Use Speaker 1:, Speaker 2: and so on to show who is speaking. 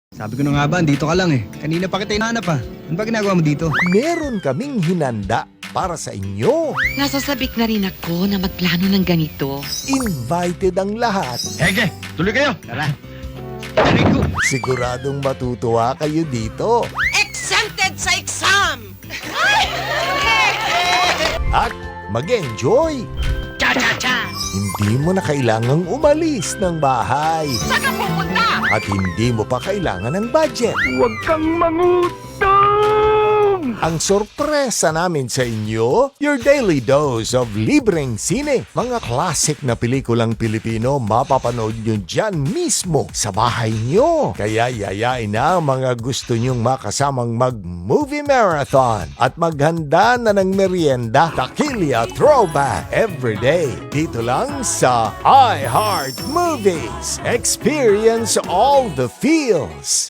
Speaker 1: Sabi ko na nga ba, dito ka lang eh. Kanina pa kita hinahanap ah. Ano ba ginagawa mo dito?
Speaker 2: Meron kaming hinanda para sa inyo.
Speaker 3: Nasasabik na rin ako na magplano ng ganito.
Speaker 2: Invited ang lahat.
Speaker 1: Hege, tuloy kayo. Tara. Tarik ko.
Speaker 2: Siguradong matutuwa kayo dito.
Speaker 4: Exempted sa exam!
Speaker 2: At mag-enjoy.
Speaker 4: Cha-cha-cha!
Speaker 2: Hindi mo na kailangang umalis ng bahay.
Speaker 4: Saan ka pupunta?
Speaker 2: At hindi mo pa kailangan ng budget.
Speaker 1: Huwag kang mangutang!
Speaker 2: Ang sorpresa namin sa inyo, your daily dose of libreng sine. Mga classic na pelikulang Pilipino mapapanood nyo dyan mismo sa bahay nyo. Kaya yayain na ang mga gusto nyong makasamang mag-movie marathon at maghanda na ng merienda. Takilya Throwback everyday. Dito lang sa iHeart Movies. Experience all the feels.